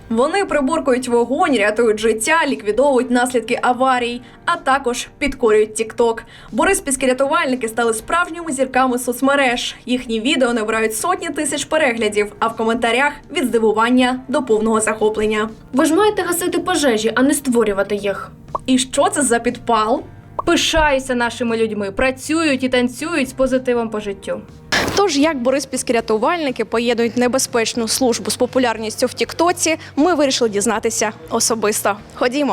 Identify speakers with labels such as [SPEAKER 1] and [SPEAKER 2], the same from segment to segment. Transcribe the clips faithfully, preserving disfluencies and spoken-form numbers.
[SPEAKER 1] Вони приборкують вогонь, рятують життя, ліквідовують наслідки аварій, а також підкорюють тік-ток. Бориспільські рятувальники стали справжніми зірками соцмереж. Їхні відео набирають сотні тисяч переглядів, а в коментарях – від здивування до повного захоплення.
[SPEAKER 2] Ви ж маєте гасити пожежі, а не створювати їх.
[SPEAKER 1] І що це за підпал?
[SPEAKER 2] Пишаюся нашими людьми, працюють і танцюють з позитивом по життю.
[SPEAKER 1] Тож, як бориспільські рятувальники поєднують небезпечну службу з популярністю в тік-тоці, ми вирішили дізнатися особисто. Ходімо.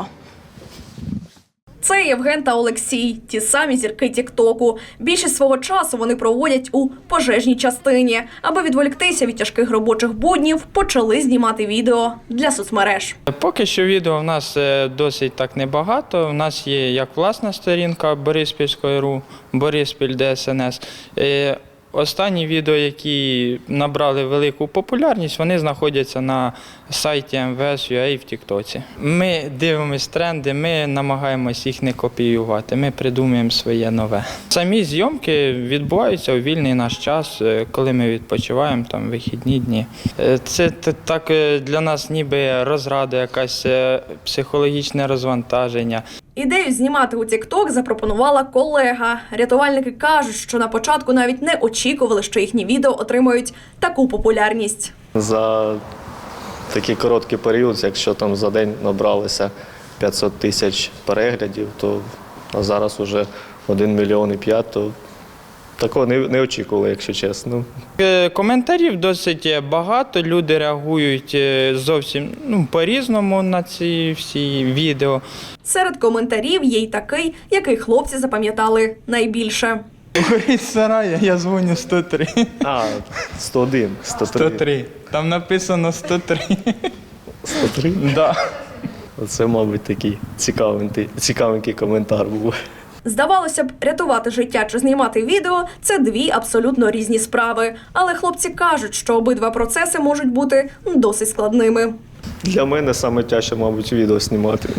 [SPEAKER 1] Це Євген та Олексій, ті самі зірки тік-току. Більшість свого часу вони проводять у пожежній частині. Аби відволіктися від тяжких робочих буднів, почали знімати відео для соцмереж.
[SPEAKER 3] Поки що відео в нас досить так небагато. У нас є як власна сторінка Бориспільської РУ, Бориспіль ДСНС. Останні відео, які набрали велику популярність, вони знаходяться на сайті ем ве ес ю а в тік-тоці. Ми дивимося тренди, ми намагаємось їх не копіювати, ми придумуємо своє нове. Самі зйомки відбуваються у вільний наш час, коли ми відпочиваємо, там, вихідні дні. Це так для нас ніби розрада, якась психологічне розвантаження.
[SPEAKER 1] Ідею знімати у тік-ток запропонувала колега. Рятувальники кажуть, що на початку навіть не очікували, що їхні відео отримають таку популярність.
[SPEAKER 4] За такий короткий період, якщо там за день набралося п'ятсот тисяч переглядів, то а зараз вже один мільйон і п'ять, то такого не, не очікували, якщо чесно.
[SPEAKER 3] Коментарів досить багато, люди реагують зовсім ну, по-різному на ці всі відео.
[SPEAKER 1] Серед коментарів є й такий, який хлопці запам'ятали найбільше.
[SPEAKER 3] Горить сарай, я дзвоню сто три.
[SPEAKER 4] А, сто один, сто три.
[SPEAKER 3] сто три. Там написано сто три.
[SPEAKER 4] сто три?
[SPEAKER 3] Да.
[SPEAKER 4] Оце, мабуть, такий цікавенький, цікавенький коментар був.
[SPEAKER 1] Здавалося б, рятувати життя чи знімати відео – це дві абсолютно різні справи. Але хлопці кажуть, що обидва процеси можуть бути досить складними.
[SPEAKER 4] Для мене саме тяжче, мабуть, відео знімати.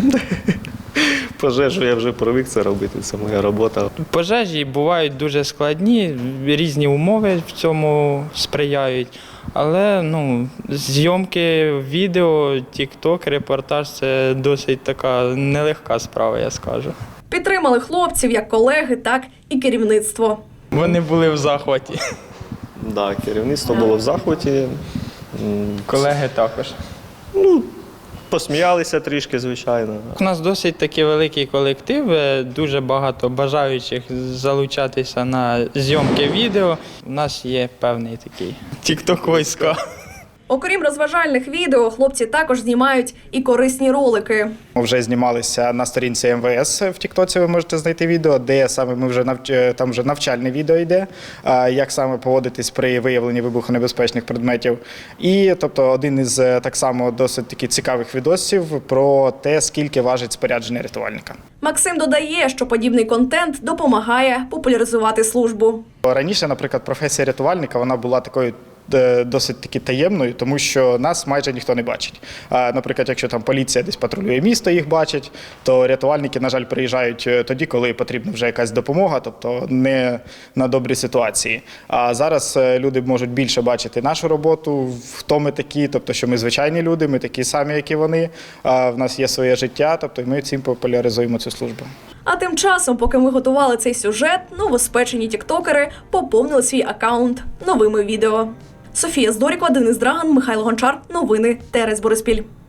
[SPEAKER 4] Пожежу я вже привик це робити, це моя робота.
[SPEAKER 3] Пожежі бувають дуже складні, різні умови в цьому сприяють. Але ну, зйомки відео, тік-ток, репортаж – це досить така нелегка справа, я скажу.
[SPEAKER 1] Підтримали хлопців як колеги, так і керівництво.
[SPEAKER 3] Вони були в захваті.
[SPEAKER 4] Так, да, керівництво було в захваті.
[SPEAKER 3] Колеги також.
[SPEAKER 4] Ну, посміялися трішки, звичайно.
[SPEAKER 3] У нас досить такий великий колектив, дуже багато бажаючих залучатися на зйомки відео. У нас є певний такий тік-ток-війська.
[SPEAKER 1] Окрім розважальних відео, хлопці також знімають і корисні ролики.
[SPEAKER 5] Ми вже знімалися на сторінці ем ве ес в тіктоці, ви можете знайти відео, де саме ми вже навч... там вже навчальне відео йде, як саме поводитись при виявленні вибухонебезпечних предметів. І тобто один із так само досить таки цікавих відосів про те, скільки важить спорядження рятувальника.
[SPEAKER 1] Максим додає, що подібний контент допомагає популяризувати службу.
[SPEAKER 5] Раніше, наприклад, професія рятувальника вона була такою досить таки таємною, тому що нас майже ніхто не бачить. Наприклад, якщо там поліція десь патрулює місто, їх бачить, то рятувальники, на жаль, приїжджають тоді, коли потрібна вже якась допомога, тобто не на добрі ситуації. А зараз люди можуть більше бачити нашу роботу, хто ми такі, тобто що ми звичайні люди, ми такі самі, як і вони, в нас є своє життя, тобто ми цим популяризуємо цю службу.
[SPEAKER 1] А тим часом, поки ми готували цей сюжет, новоспечені тіктокери поповнили свій аккаунт новими відео. Софія Здорікова, Денис Драган, Михайло Гончар. Новини Терес Бориспіль.